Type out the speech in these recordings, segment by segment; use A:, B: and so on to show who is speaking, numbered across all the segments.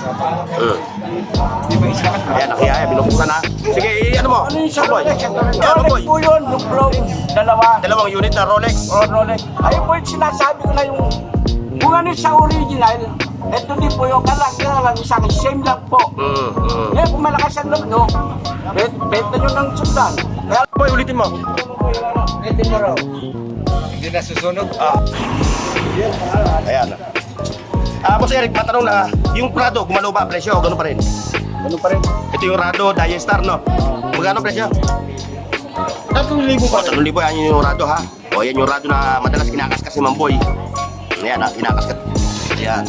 A: Ayan, nakiyaya, binubuksan na. Sige, ano mo?
B: Ano yung sa
A: Mamboy.
B: Rolex?
A: Mamboy.
B: Rolex po yun, Luplong, dalawa.
A: Dalawang unit na Rolex.
B: O Rolex. Ayun po yung sinasabi ko na yung kung ano sa original, eto din po yung kalang sa akin, same lang po. Eh, kung malakas ang loob, no? Benta nyo ng sundan. Kaya,
A: Boy, ulitin mo.
B: benta mo raw.
C: Hindi na susunog.
A: Ayan. Boss Eric, matanong na, yung Prado, gumalaw ba presyo o gano'n pa rin?
B: Ano pa rin?
A: Ito yung Rado, Diastar, no? Magkano presyo?
B: 3,000
A: O, 3,000 yan yung Rado, ha? O, yan yung Rado na madalas kinakaskas si Mamboy. Ayan, ha? Kinakaskas. Ayan.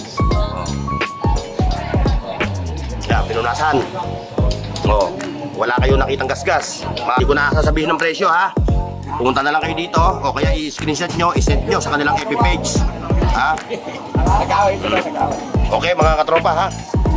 A: Ayan, pinunasan. O, wala kayong nakitang gasgas. Hindi ko na sasabihin ng presyo, ha? Pumunta na lang kayo dito, o kaya i-screenshot nyo, i-send nyo sa kanilang FB page. Ha?
B: Nag-away ko na, nag-away.
A: Okay, mga katropa, ha?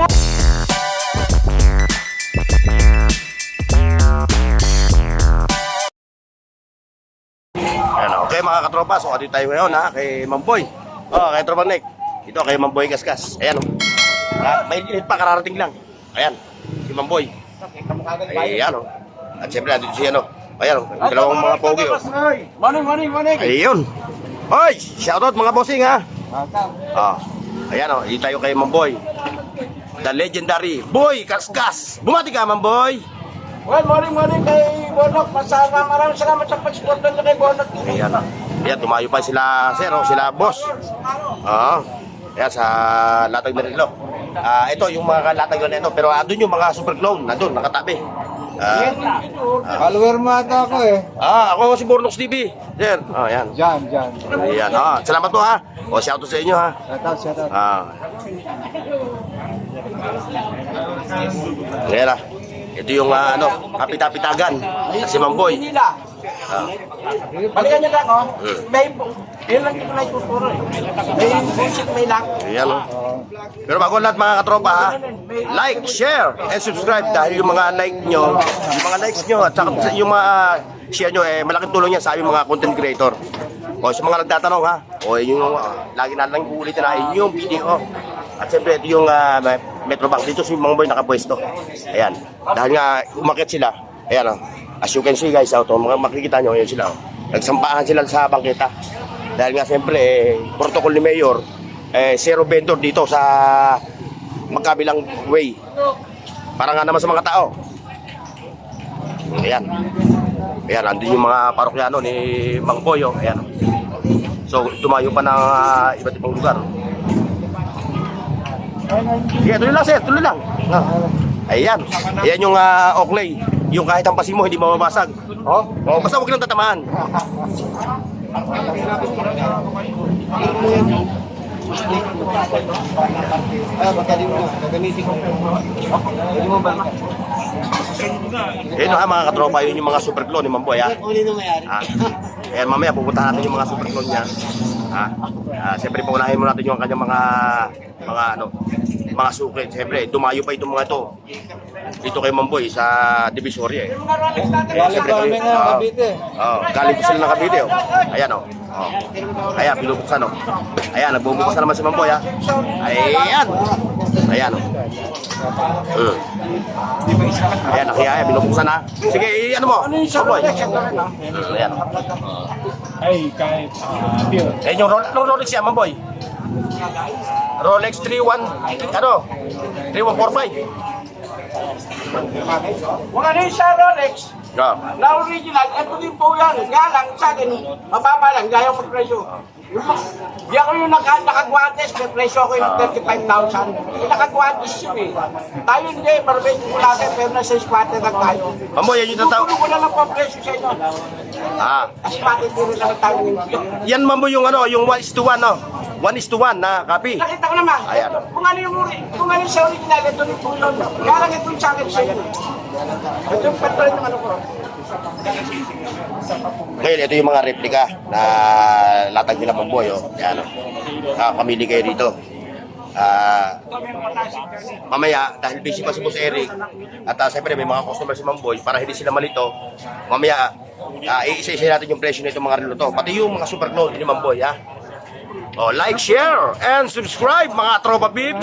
A: Ayan, okay mga katropa, so dito tayo ngayon ha, kay Mamboy. Kay Tropa Nick. Dito kay Mamboy Gasgas. Ayan o. May init pa, kararating lang. Ayan, si Mamboy. Ayan o. At siyempre, nandito siya no. Ayan o, dalawang mga pogi o.
B: Morning.
A: Ayun. Hoy, shoutout mga bossing ha. Ayan o, dito tayo kay Mamboy. The legendary Boy Gasgas. Bumati ka Mamboy.
B: Well, morning kay Bonok. Maraming salamat sa pag-supportan niyo kay Bonok.
A: Ayan. Ayan, tumayo pa sila, sir, sila boss. Ayan, sa Latag Merilo. Ito, yung mga latag na ito. Pero doon yung mga super clone, nandun, nakatabi.
C: Follower mo ata ako eh.
A: Ako si Bornox TV. Sir, ayan.
C: Diyan.
A: Ayan, salamat po ha. Shoutout sa inyo ha.
C: Shoutout.
A: Ayan ha. Ito yung kapit-kapitagan. Si Mamboy.
B: Nila. Balikan niyo lang, yun lang dito na ituturo eh. May bullshit, may lang.
A: Ayan o. Pero bago lahat mga katropa ha, like, share, and subscribe dahil yung mga like nyo, yung mga likes nyo at saka yung mga share nyo malaking tulong yan sa aming mga content creator. O sa mga nagtatanong ha, yung lagi na lang ulitin na yung video. At siyempre ito yung Metrobank, dito si Mamboy nakapwesto. Ayan, dahil nga umakyat sila. Ayan o, as you can see guys, makikita nyo, ayan sila. Nagsampahan sila sa bangketa. Dahil nga siyempre, protocol ni Mayor, zero vendor dito sa magkabilang way. Para nga naman sa mga tao. Ayan. Ayan, andun yung mga parokyano ni Mang Boyo. Ayan. So, tumayo pa ng iba't ibang lugar. Sige, tuloy lang sir, tuloy lang. Ayan. Ayan yung Oakley. Yung kahit ang pasi mo, hindi mababasag. Basta huwag lang tatamaan. Ayun mga katropa, yun yung mga super clone ni Mamboy ha. Ayan, mamaya pupuntahan natin yung mga super clone niya. Siyempre paunahin mo natin yung kanyang mga suklit. Siyempre dumayo pa itong mga ito dito kay Mamboy sa Divisoria
C: Galing kami ng Cavite.
A: Galing po sila ng Cavite Ayan Ayan, binubuksan Ayan, nagbubuksan naman si Mamboy ha. Ayan. Ayan Ayan, nakiyaya, binubuksan ha. Sige, ano mo?
B: Ano yung sa
A: Mamboy.
B: Rolex? Ito rin
A: Ayan
D: kahit
A: Ayan yung Rolex yan, Mamboy. Rolex 3145.
B: Kung ano yung sa Rolex, na original, ito din po yan. Nga lang, sa akin, mababa lang, gaya mag-presyo. Di ako yung nakagwantes, may presyo ako yung 35,000. Yung nakagwantes yun eh. Tayo hindi, marbate ko natin, pero nasa squatter lang tayo.
A: Mamboy, yan yung tataw.
B: Tutulo ko na lang po ang presyo sa inyo. Squatter din lang tayo ng
A: Yan Mamboy yung yung 1:1 1:1 na copy.
B: Nakita ko naman.
A: Ayan.
B: Kung ano yung sa original, ito yung tulon. Kaya lang itong sa akin sa inyo. Ito yung patron ng ano ko.
A: Ngayon, ito yung mga replika na latag nila Mamboy. Ayan pamili kayo dito. Mamaya, dahil busy pa si Boss Eric, at siyempre may mga customer si Mamboy, para hindi sila malito, mamaya, iisa-isa natin yung presyo nito mga relo to. Pati yung mga super clone ni Mamboy, ha? Oh, like, share, and subscribe mga tropa bibs.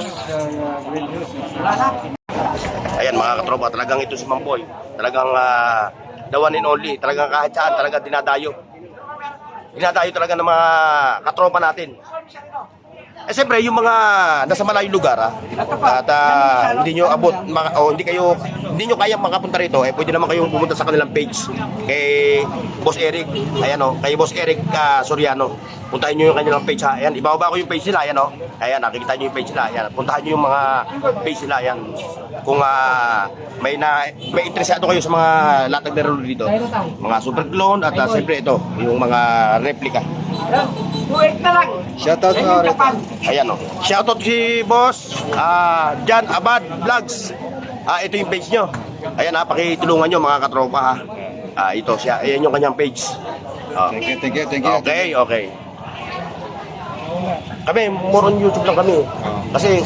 A: Ayan mga katropa, talagang ito si Mamboy. Talagang the one and only. Talagang kahit saan, talaga dinadayo. Dinadayo talaga ng mga katropa natin. Eh siyempre, yung mga nasa malayong lugar at hindi nyo abot, hindi nyo kayang makapunta rito, eh pwede naman kayong pumunta sa kanilang page kay Boss Eric, ayan o, kay Boss Eric Soriano. Puntahan nyo yung kanilang page ha, ayan, ibababa ko yung page nila, ayan o, ayan, nakikita nyo yung page nila, ayan, puntahan nyo yung mga page nila, ayan. Kung may interesado kayo sa mga latag na relo dito, mga super clone at siyempre ito, yung mga replica.
B: 2.8 na lang.
C: Shoutout
B: Yan
C: mo,
B: yung Japan.
A: Ayan o. Shoutout si Boss Jan Abad Vlogs. Ito yung page nyo. Ayan pakitulungan nyo mga katropa ha. Ito siya. Ayan yung kanyang page.
C: Thank you.
A: Okay. Kami, more on YouTube lang kami. Kasi,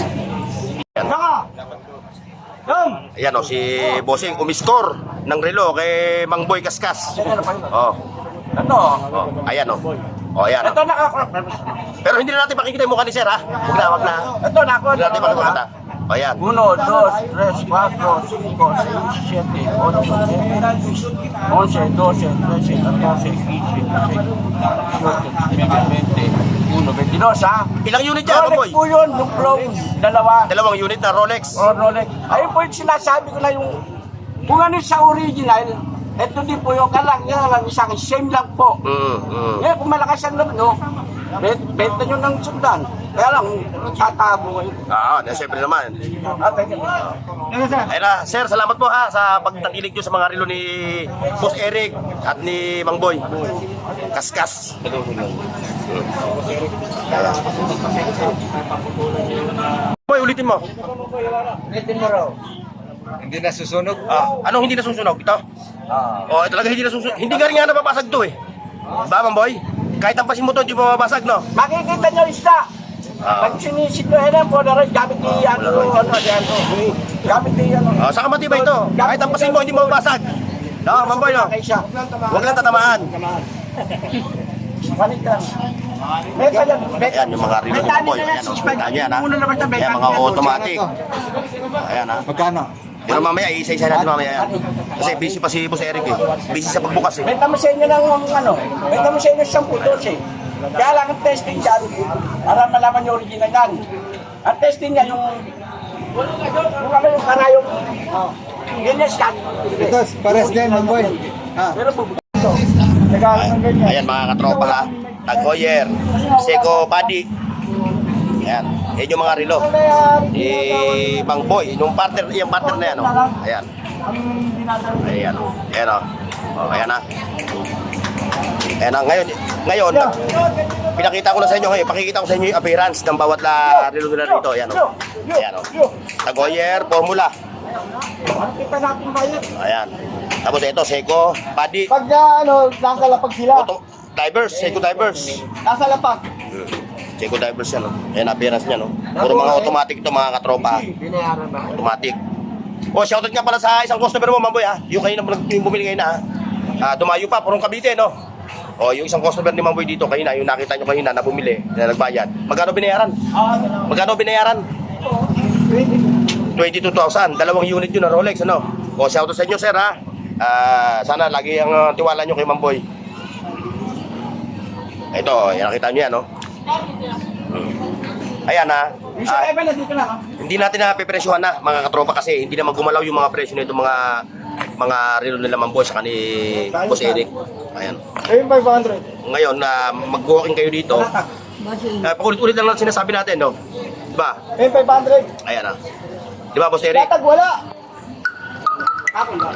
A: ayan o, si Bossing umiscore ng relo kay Mang Boy Kaskas.
B: Ito.
A: Ayan o. Ayan o.
B: Ito nakakrop.
A: Pero hindi na natin pakikita yung mukha ni Sir ha. Wag na.
B: Ito nako.
A: Hindi natin pakikita. Ayan.
B: 1, 2, 3, 4, 5, 6, 7, 8, 9, 10, 11, 12, 13, 14, 15, 16, 17, 18, 19, 20, 21, 22 ha?
A: Ilang unit yan,
B: Rolex
A: Boy?
B: po yun, yung chrome, dalawa.
A: Dalawang unit na Rolex.
B: Rolex. Ayun po yung sinasabi ko na yung, kung ano sa original, eto din po yung kalang isa akin, same lang po. Eh, kung malakas ang loob, no? Benta nyo ng sundan. Kaya lang, tatago kayo.
A: Siyempre naman.
B: Thank you.
A: Ayun na, Sir, salamat po ha sa pagtangkilig nyo sa mga relo ni Boss Eric at ni Mang Boy Kaskas. Boy, ulitin mo.
B: Ulitin mo raw.
C: Hindi nasusunog.
A: Anong hindi nasusunog? Ito? Talaga hindi nasusunog. Hindi nga rin nga napapasag to eh. Ba, Mang Boy? Kahit ang pasin mo to, hindi pa mabasag, no?
B: Makikita nyo isda. Pag sinisid nyo, po na rin, gamit ni gamit ni
A: Saka matibay ito. Kahit ang pasin mo, hindi mababasag. No, Mang Boy, no? Huwag lang tatamaan.
B: Balik lang. Beka yan.
A: Ayan, yung mga relo ni Mang Boy. Ayan, kita nyo yan, ha? Ayan, mga automatic. Ayan, ha?
C: Magkano?
A: Pero mamaya, isa-isa natin mamaya yan. Kasi busy pa si Boss Eric eh. Busy sa pagbukas eh.
B: Benta mo sa inyo ng benta mo sa inyo ng 10 eh. Kaya lang ang testing dyan, para malaman yung original yan. Ang testing niya yung yung karayong, ganyan scan.
C: Ito, pares din, Mamboy.
B: Pero bubuto. Nagalang ng ganyan.
A: Ayan mga katropa ha. Tag Heuer, Seiko Buddy. Ayan. Yan yung mga relo. Mang Boy, yung partner na yan. Ayan. Ayan. Ayan o. Ayan ha. Ayan ha. Ngayon, pinakita ko na sa inyo ngayon. Pakikita ko sa inyo yung appearance ng bawat relo nila rito. Ayan o. Ayan o. Tag Heuer, Formula.
B: Kita natin bayad.
A: Ayan. Tapos ito, Seiko Buddy.
B: Pag nasa lapag sila.
A: Divers, Seiko Divers.
B: Nasa lapag.
A: Seiko Divers yan, no? Ayan, appearance niya, no? Puro mga automatic ito, mga katropa.
B: Binayaran ba?
A: Automatic. Shoutout nga pala sa isang customer mo, Mamboy, ha? Yung kayo yung bumili kayo na, ha? Dumayo pa, purong Cavite, no? Yung isang customer ni Mamboy dito, kayo na, yung nakita nyo kayo na bumili, na nagbayad. Magkano binayaran? Magkano binayaran? 22,000. Dalawang unit yun na Rolex, ano? Shoutout sa inyo, sir, ha? Sana lagi ang tiwala nyo kay Mamboy. Ito, nakita nyo yan, no? Ayan ha. Hindi natin napipresyohan na mga katropa kasi hindi naman gumalaw yung mga presyo nito mga relo nila Mang Boy sa ni Boss Eric. Ayan.
B: Ayun 500.
A: Ngayon na mag-walking kayo dito. Paulit-ulit lang sinasabi natin, no? Diba?
B: Ayun 500.
A: Ayan ha. Diba, Boss Eric?
B: Latag wala. Ako ba?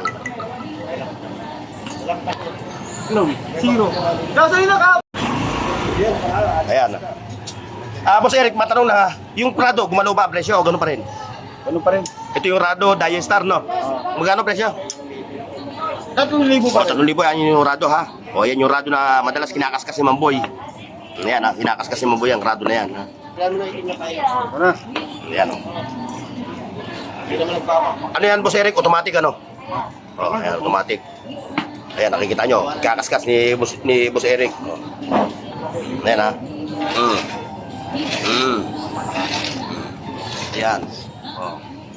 B: Zero. Nasa ina ka.
A: Ayan. Boss Eric, matanong na, yung Prado, gumalaw ba ang presyo o gano'n pa rin?
B: Ano pa rin?
A: Ito yung Rado Diastar, no? Magkano presyo?
B: 3,000 ba?
A: 3,000 yan yung Rado, ha? Yan yung Rado na madalas kinakaskas si Mamboy. Ayan, ha? Kinakaskas si Mamboy ang Rado na yan, ha? Ayan, o. Ano yan, Boss Eric? Automatic, ano? Ayan, automatic. Ayan, nakikita nyo. Kakaskas ni Boss Eric. Ayan, ha? Ayan. Oh.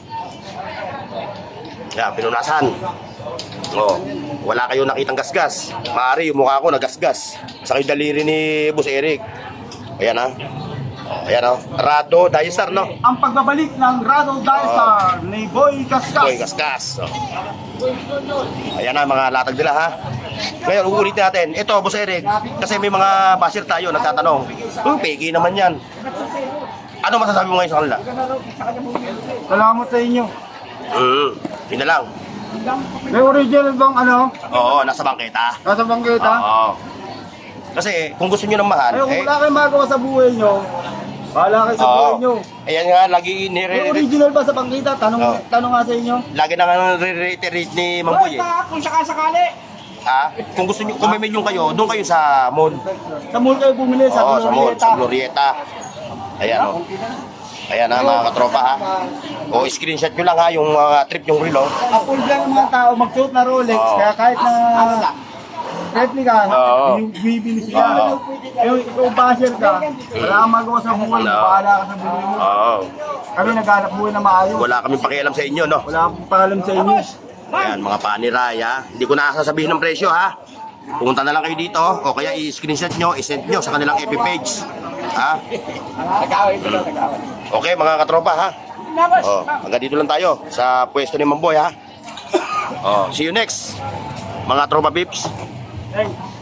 A: Yan, pinunasan. Oh, wala kayong nakitang gasgas. Maaari yung mukha ko nagasgas sa kayo daliri ni Boss Eric. Ayan ha. Oh, ayan ha. Rado Dystar, no?
B: Ang pagbabalik ng Rado Dystar ni Boy Kaskas.
A: Boy gasgas. Oh. Ayan na mga latag nila ha. Ngayon, uulitin natin. Ito, Boss Eric, kasi may mga basher tayo nagtatanong. Peki naman yan. Ano masasabi mo ngayon sa kanila?
B: Salamat sa inyo.
A: Yun na lang.
B: May original bang ano?
A: Oo, nasa bangketa.
B: Nasa bangketa?
A: Oo. Kasi kung gusto nyo ng mahal,
B: Ay, kung wala kayong magawa sa buhay nyo, bahala kayo sa buhay nyo.
A: Ayan nga, lagi
B: May original ba sa bangketa? Tanong,
A: Oo.
B: tanong nga sa inyo.
A: lagi na nga nire-reiterate ni Mang Boy eh.
B: Kung sakasakali.
A: Kung gusto nyo, kung may million kayo, doon kayo sa mall.
B: Sa mall kayo bumili, sa
A: Oo, sa mall,
B: Glorieta.
A: sa Glorieta. Ayan o. Ayan ha, mga katropa ha. O, screenshot nyo lang ha, yung mga trip yung relo.
B: Apple lang ng mga tao magsuot na Rolex,
A: Oo.
B: kaya kahit na replica,
A: Oo.
B: bibili sila.
A: Oo.
B: Yung ikaw basher ka, wala kang magawa sa buhay,
A: Oo.
B: bahala ka sa buhay mo.
A: Oo.
B: Kami naghanap buhay na maayos.
A: Wala kaming pakialam sa inyo, no?
B: Wala akong paalam sa inyo.
A: Ayan, mga paniray ha. Hindi ko na sasabihin ng presyo ha. Pumunta na lang kayo dito o kaya i-screenshot nyo, i-send nyo sa kanilang FB page. Ha? Okay, mga katropa ha. Oh, hanggang dito lang tayo sa pwesto ni Mamboy ha. Oh, see you next. Mga tropa pips.
B: Hey.